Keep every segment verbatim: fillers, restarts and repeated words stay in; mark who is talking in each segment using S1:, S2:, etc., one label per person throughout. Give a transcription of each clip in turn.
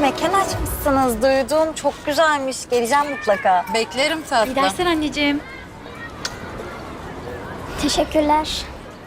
S1: mekan açmışsınız. Duydum. Çok güzelmiş. Geleceğim mutlaka.
S2: Beklerim tatlım.
S3: İyi dersler anneciğim.
S4: Teşekkürler.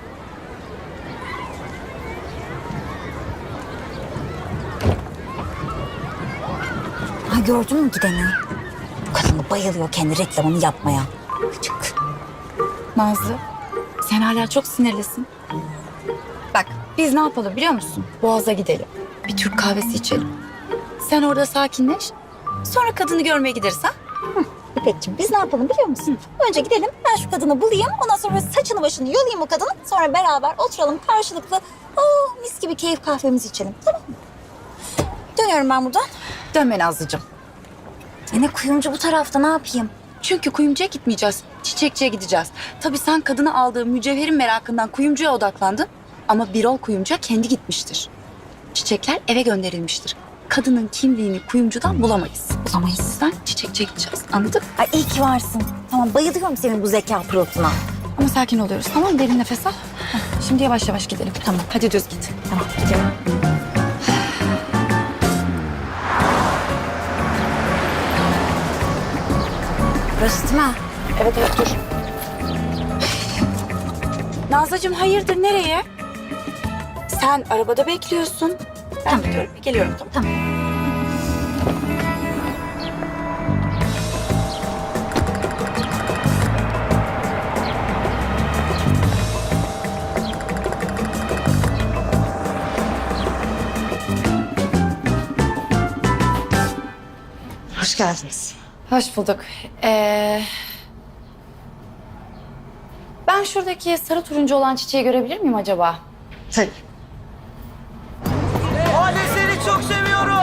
S1: Ha, gördün mü gideni? Bu kadın da bayılıyor kendi reklamını yapmaya. Gıcık.
S2: Nazlı, sen hala çok sinirlisin. Bak, biz ne yapalım biliyor musun? Boğaz'a gidelim. Bir Türk kahvesi içelim. Sen orada sakinleş. Sonra kadını görmeye gideriz ha?
S1: İpekciğim biz ne yapalım biliyor musun? Önce gidelim, ben şu kadını bulayım. Ondan sonra saçını başını yolayım o kadının. Sonra beraber oturalım karşılıklı. Oh, mis gibi keyif kahvemizi içelim. Tamam mı? Dönüyorum ben buradan.
S2: Dönme Nazlıcığım.
S1: E ne kuyumcu bu tarafta, ne yapayım?
S2: Çünkü kuyumcuya gitmeyeceğiz. Çiçekçiye gideceğiz. Tabii sen kadını aldığı mücevherin merakından kuyumcuya odaklandın. Ama Birol kuyumcuya kendi gitmiştir. Çiçekler eve gönderilmiştir. Kadının kimliğini kuyumcudan bulamayız.
S1: Bulamayız.
S2: O yüzden çiçekçiye gideceğiz. Anladın?
S1: Ay iyi ki varsın. Tamam, bayılıyorum senin bu zeka pırıltına.
S2: Ama sakin oluyoruz tamam mı? Derin nefes al. Heh, şimdi yavaş yavaş gidelim. Tamam. Hadi düz git.
S1: Tamam, gidiyorum. Burası değil mi?
S2: Evet evet dur. Nazlıcığım hayırdır nereye? Sen arabada bekliyorsun. Ben
S1: Tamam.
S2: gidiyorum. Geliyorum tamam.
S1: Tamam.
S5: Hoş geldiniz.
S2: Hoş bulduk. Ee, ben şuradaki sarı turuncu olan çiçeği görebilir miyim acaba?
S5: Tabii.
S6: Hale seni çok seviyorum.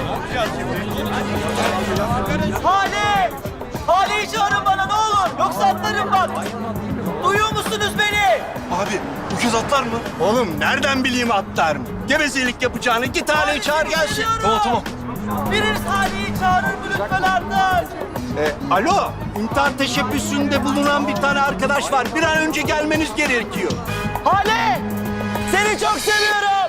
S6: Hale! Hale'yi çağırın bana ne olur. Yoksa atlarım bak. Duyuyor musunuz beni?
S7: Abi bu kız atlar mı? Oğlum nereden bileyim atlar mı? Gevezelik yapacağını git Hale'yi çağır gelsin.
S6: Seviyorum.
S7: Tamam tamam.
S6: Biriniz Hale'yi çağırır mı lütfen artık?
S7: E, alo, intihar teşebbüsünde bulunan bir tane arkadaş var. Bir an önce gelmeniz gerekiyor.
S6: Hale! Seni çok seviyorum.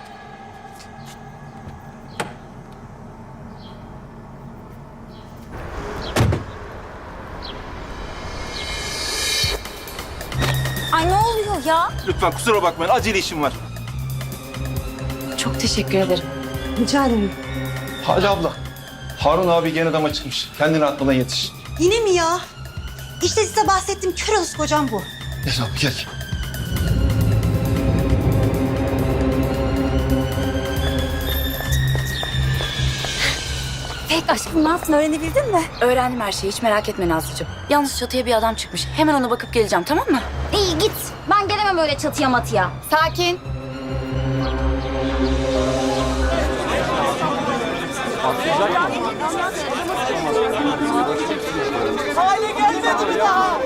S1: Ay ne oluyor ya?
S7: Lütfen kusura bakmayın, acele işim var.
S2: Çok teşekkür ederim.
S5: Rica ederim.
S7: Hadi abla. Harun abi gene dama çıkmış. Kendini atmadan yetiş.
S5: Yine mi ya? İşte size bahsettiğim kör olası kocam bu.
S7: Gel abi gel.
S1: Pek aşkım ne yaptın, öğrenebildin mi?
S2: Öğrendim her şeyi hiç merak etme Nazlıcığım. Yalnız çatıya bir adam çıkmış. Hemen ona bakıp geleceğim tamam mı?
S1: İyi git. Ben gelemem öyle çatıya matıya.
S2: Sakin.
S6: Hale gelmedi mi daha?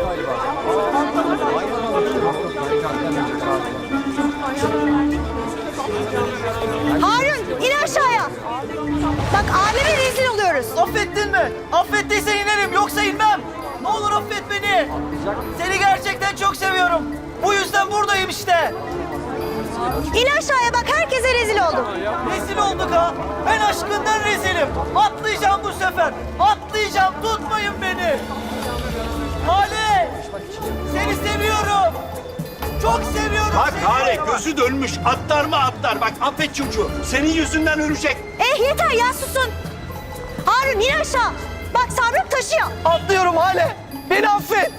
S5: Harun in aşağıya. Bak aleme rezil oluyoruz.
S6: Affettin mi? Affettiysen inerim yoksa inmem. Ne olur affet beni. Seni gerçekten çok seviyorum. Bu yüzden buradayım işte.
S5: İn aşağıya bak herkese rezil oldum.
S6: Rezil olduk ha. Ben aşkından rezilim. Atlayacağım bu sefer. Atlayacağım. Tutmayın beni. Hale. Seni seviyorum. Çok seviyorum
S7: Bak
S6: seni.
S7: Hale gözü dönmüş. Atlar mı atlar. Bak affet çocuğu. Senin yüzünden ölecek.
S5: Eh yeter ya susun. Harun in aşağı. Bak sabrım taşıyor.
S6: Atlıyorum Hale. Beni affet.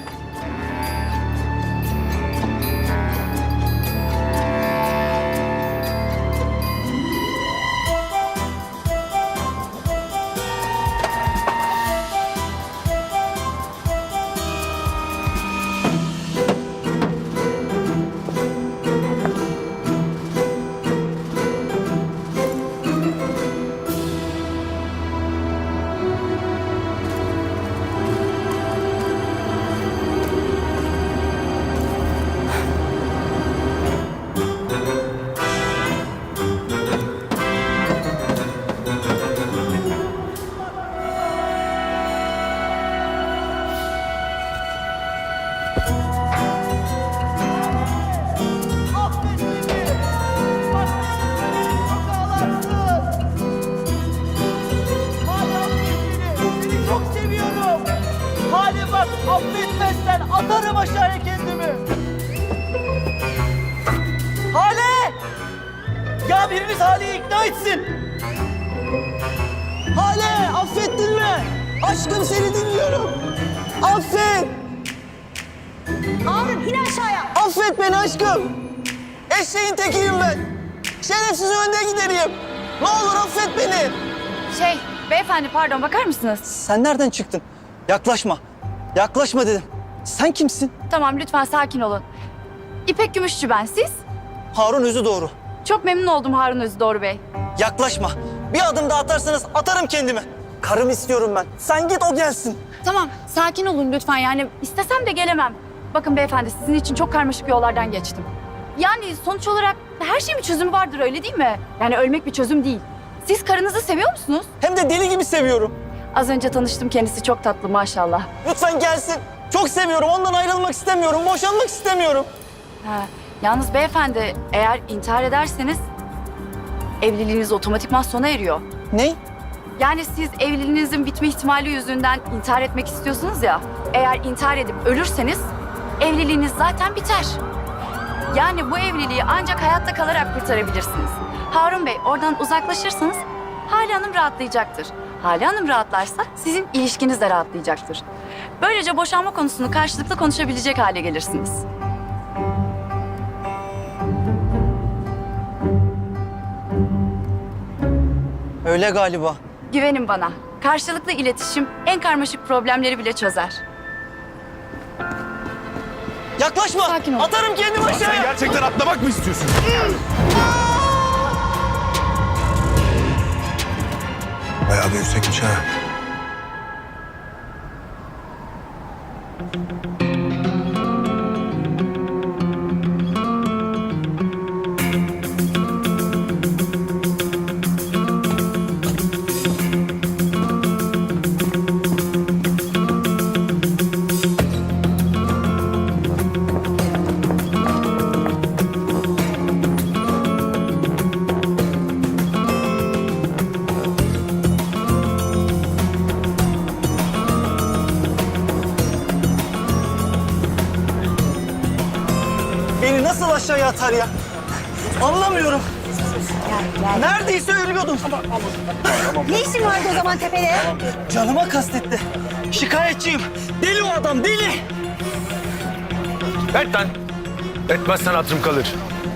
S6: Affetmezsen atarım aşağıya kendimi. Hale! Ya biriniz Hale'yi ikna etsin. Hale, affettin mi? Aşkım seni dinliyorum. Affet.
S5: Harun in aşağıya.
S6: Affet beni aşkım. Eşeğin tekiyim ben. Şerefsiz önde gideriyim. Ne olur affet beni.
S2: Şey, beyefendi pardon bakar mısınız?
S6: Sen nereden çıktın? Yaklaşma. Yaklaşma dedim. Sen kimsin?
S2: Tamam lütfen sakin olun. İpek Gümüşçü ben, siz?
S6: Harun Özü doğru.
S2: Çok memnun oldum Harun Özdoğru Bey.
S6: Yaklaşma. Bir adım daha atarsanız atarım kendimi. Karımı istiyorum ben. Sen git o gelsin.
S2: Tamam, sakin olun lütfen. Yani istesem de gelemem. Bakın beyefendi, sizin için çok karmaşık yollardan geçtim. Yani sonuç olarak her şeyin bir çözümü vardır, öyle değil mi? Yani ölmek bir çözüm değil. Siz karınızı seviyor musunuz?
S6: Hem de deli gibi seviyorum.
S2: Az önce tanıştım, kendisi çok tatlı maşallah.
S6: Lütfen gelsin. Çok seviyorum. Ondan ayrılmak istemiyorum. Boşanmak istemiyorum.
S2: Ha, yalnız beyefendi, eğer intihar ederseniz evliliğiniz otomatikman sona eriyor.
S6: Ne?
S2: Yani siz evliliğinizin bitme ihtimali yüzünden intihar etmek istiyorsunuz ya. Eğer intihar edip ölürseniz evliliğiniz zaten biter. Yani bu evliliği ancak hayatta kalarak kurtarabilirsiniz. Harun Bey, oradan uzaklaşırsanız Hale Hanım rahatlayacaktır. Hale Hanım rahatlarsa sizin ilişkiniz de rahatlayacaktır. Böylece boşanma konusunu karşılıklı konuşabilecek hale gelirsiniz.
S6: Öyle galiba.
S2: Güvenin bana. Karşılıklı iletişim en karmaşık problemleri bile çözer.
S6: Yaklaşma.
S2: Sakin ol.
S6: Atarım kendimi
S7: Sen
S6: aşağıya.
S7: gerçekten atlamak mı istiyorsun? Bayağı da yüksekmiş ha.
S6: Beni nasıl aşağıya atar ya? Anlamıyorum. Neredeyse ölüyordum.
S5: Ne işin vardı o zaman tepede?
S6: Canıma kastetti. Şikayetçiyim. Deli o adam, deli.
S3: Et lan. Etmezsen hatırım kalır.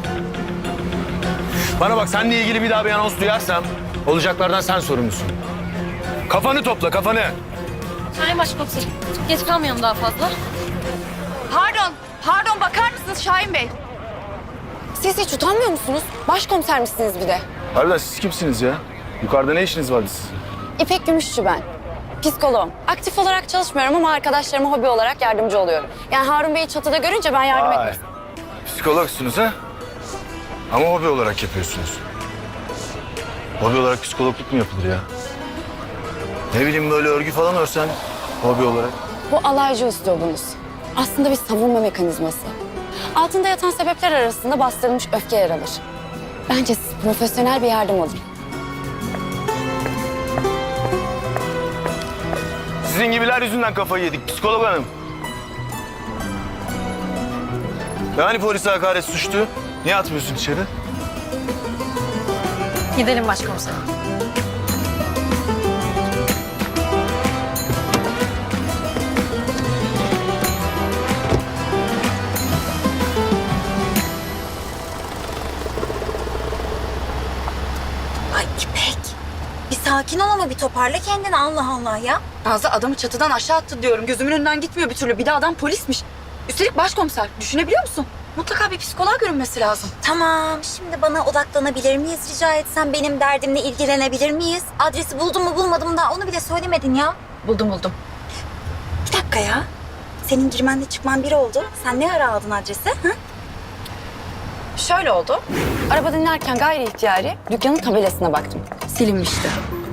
S3: Bana bak, seninle ilgili bir daha bir anons duyarsam olacaklardan sen sorumlusun. Kafanı topla, kafanı.
S4: Sayın Başkomiserim, geç kalmayalım daha fazla.
S2: Pardon, pardon bakar mısınız Şahin Bey? Siz hiç utanmıyor musunuz? Başkomiser misiniz bir de?
S3: Harbiden siz kimsiniz ya? Yukarıda ne işiniz vardı sizin?
S8: İpek Gümüşçü ben. Psikoloğum. Aktif olarak çalışmıyorum ama arkadaşlarıma hobi olarak yardımcı oluyorum. Yani Harun Bey'i çatıda görünce ben yardım
S3: Vay.
S8: etmek.
S3: Psikologsunuz ha? Ama hobi olarak yapıyorsunuz. Hobi olarak psikologluk mu yapılır ya? Ne bileyim, böyle örgü falan örsen hobi olarak.
S8: Bu alaycı üslubunuz. Aslında bir savunma mekanizması. Altında yatan sebepler arasında bastırılmış öfke yer alır. Bence siz profesyonel bir yardım alın.
S3: Sizin gibiler yüzünden kafayı yedik psikolog hanım. Yani polise hakaret suçtu. Niye atmıyorsun içeri?
S4: Gidelim başkomiserim.
S1: Ay İpek. Bir sakin ol ama bir toparla kendini Allah Allah ya.
S2: Nazlı adamı çatıdan aşağı attı diyorum. Gözümün önünden gitmiyor bir türlü. Bir de adam polismiş. Üstelik başkomiser. Düşünebiliyor musun? Mutlaka bir psikoloğa görünmesi lazım.
S1: Tamam, şimdi bana odaklanabilir miyiz rica etsem? Benim derdimle ilgilenebilir miyiz? Adresi buldum mu bulmadım mı daha onu bile söylemedin ya.
S2: Buldum buldum.
S1: Bir dakika ya. Senin girmenle çıkman bir oldu. Sen ne ara aldın adresi? Hı?
S2: Şöyle oldu.
S8: Arabada inerken gayri ihtiyari dükkanın tabelasına baktım.
S2: Silinmişti.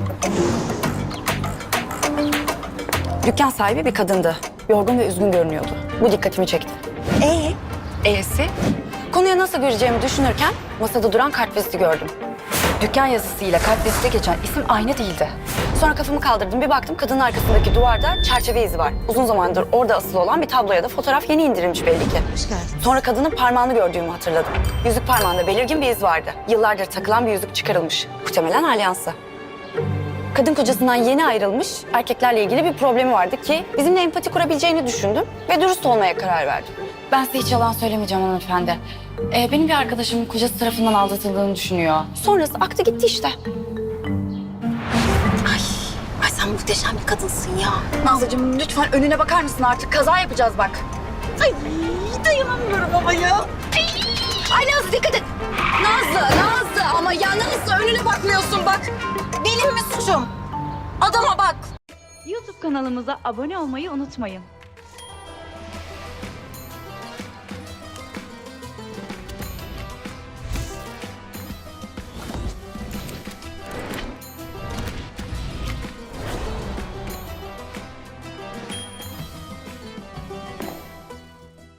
S8: Dükkan sahibi bir kadındı. Yorgun ve üzgün görünüyordu. Bu dikkatimi çekti.
S1: Ee?
S2: E'si?
S8: Konuya nasıl gireceğimi düşünürken masada duran kartviziti gördüm. Dükkan yazısıyla kalp liste geçen isim aynı değildi. Sonra kafamı kaldırdım, bir baktım kadının arkasındaki duvarda çerçeve izi var. Uzun zamandır orada asılı olan bir tablo ya da fotoğraf yeni indirilmiş belli ki.
S1: Hoş geldin.
S8: Sonra kadının parmağını gördüğümü hatırladım. Yüzük parmağında belirgin bir iz vardı. Yıllardır takılan bir yüzük çıkarılmış. Muhtemelen alyansı. Kadın kocasından yeni ayrılmış, erkeklerle ilgili bir problemi vardı ki bizimle empati kurabileceğini düşündüm ve dürüst olmaya karar verdim. Ben size hiç yalan söylemeyeceğim hanımefendi. Ee, benim bir arkadaşım kocası tarafından aldatıldığını düşünüyor. Sonrası aktı gitti işte.
S1: Ay sen muhteşem bir kadınsın ya.
S2: Nazlıcığım lütfen önüne bakar mısın artık? Kaza yapacağız bak.
S1: Ay dayanamıyorum ama ya.
S2: Ay Nazlı dikkat et. Nazlı, Nazlı ama ya Nazlı önüne bakmıyorsun bak.
S1: Benim mi suçum? Adama bak.
S9: YouTube kanalımıza abone olmayı unutmayın.